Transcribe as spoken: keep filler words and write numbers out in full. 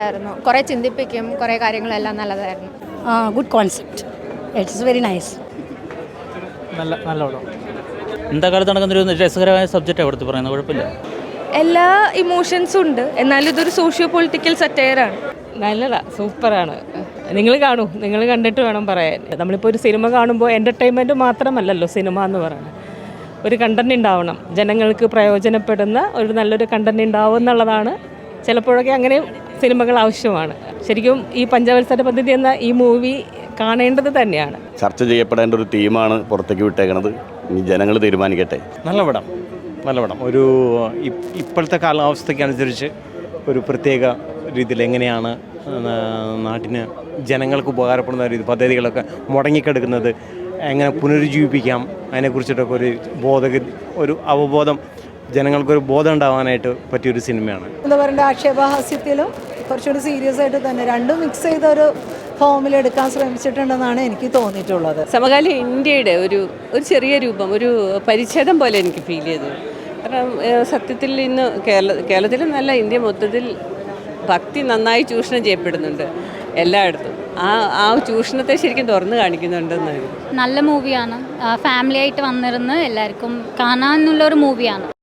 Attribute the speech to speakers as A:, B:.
A: ആയിരുന്നു. കുറേ ചിന്തിപ്പിക്കും, കുറേ കാര്യങ്ങളെല്ലാം നല്ലതായിരുന്നു.
B: Good concept. It's very nice.
C: നല്ല നല്ല പടം.
D: എന്താ കാലത്ത് നടക്കുന്നൊരു രസകരമായ സബ്ജക്റ്റ് അവിടുത്തെ പറയുന്നത്, കുഴപ്പമില്ല.
E: എല്ലാ ഇമോഷൻസും ഉണ്ട്, എന്നാലും ഇതൊരു സോഷ്യോ പൊളിറ്റിക്കൽ സറ്റയറാണ്.
F: നല്ലതാ, സൂപ്പറാണ്. നിങ്ങൾ കാണൂ, നിങ്ങൾ കണ്ടിട്ട് വേണം പറയാൻ. നമ്മളിപ്പോൾ ഒരു സിനിമ കാണുമ്പോൾ എൻ്റർടൈൻമെൻറ്റ് മാത്രമല്ലല്ലോ സിനിമ എന്ന് പറയുന്നത്. ഒരു കണ്ടന്റ് ഉണ്ടാവണം, ജനങ്ങൾക്ക് പ്രയോജനപ്പെടുന്ന ഒരു നല്ലൊരു കണ്ടന്റ് ഉണ്ടാവും എന്നുള്ളതാണ്. ചിലപ്പോഴൊക്കെ അങ്ങനെ സിനിമകൾ ആവശ്യമാണ്. ശരിക്കും ഈ പഞ്ചവത്സര പദ്ധതി എന്ന ഈ മൂവി കാണേണ്ടത് തന്നെയാണ്.
G: ചർച്ച ചെയ്യപ്പെടേണ്ട ഒരു തീമാണ് പുറത്തേക്ക് വിട്ടേക്കണത്. ഇനി ജനങ്ങൾ തീരുമാനിക്കട്ടെ.
C: നല്ല പടം, നല്ല പടം. ഒരു ഇപ്പോഴത്തെ കാലാവസ്ഥയ്ക്കനുസരിച്ച് ഒരു പ്രത്യേക രീതിയിൽ എങ്ങനെയാണ് നാട്ടിന് ജനങ്ങൾക്ക് ഉപകാരപ്പെടുന്ന രീതി പദ്ധതികളൊക്കെ മുടങ്ങിക്കിടക്കുന്നത് എങ്ങനെ പുനരുജ്ജീവിപ്പിക്കാം, അതിനെക്കുറിച്ചിട്ടൊക്കെ ഒരു ബോധ ഒരു അവബോധം ജനങ്ങൾക്കൊരു ബോധം ഉണ്ടാവാനായിട്ട് പറ്റിയൊരു സിനിമയാണ്.
B: എന്താ പറയണ്ട, ആക്ഷേപഹാസ്യത്തിലും കുറച്ചുകൂടി സീരിയസ് ആയിട്ട് തന്നെ രണ്ടും മിക്സ് ചെയ്ത ഒരു ഫോമിൽ എടുക്കാൻ ശ്രമിച്ചിട്ടുണ്ടെന്നാണ് എനിക്ക് തോന്നിയിട്ടുള്ളത്.
H: സമകാലീന ഇന്ത്യയുടെ ഒരു ഒരു ചെറിയ രൂപം, ഒരു പരിച്ഛേദം പോലെ എനിക്ക് ഫീൽ ചെയ്തു. കാരണം സത്യത്തിൽ ഇന്ന് കേരള കേരളത്തിൽ നല്ല ഇന്ത്യ മൊത്തത്തിൽ ഭക്തി നന്നായി ചൂഷണം ചെയ്യപ്പെടുന്നുണ്ട് എല്ലായിടത്തും. ആ ആ ചൂഷണത്തെ ശരിക്കും തുറന്നു കാണിക്കുന്നുണ്ടെന്നാണ്.
A: നല്ല മൂവിയാണ്. ഫാമിലി ആയിട്ട് വന്നിരുന്ന് എല്ലാവർക്കും കാണാനുള്ളൊരു മൂവിയാണ്.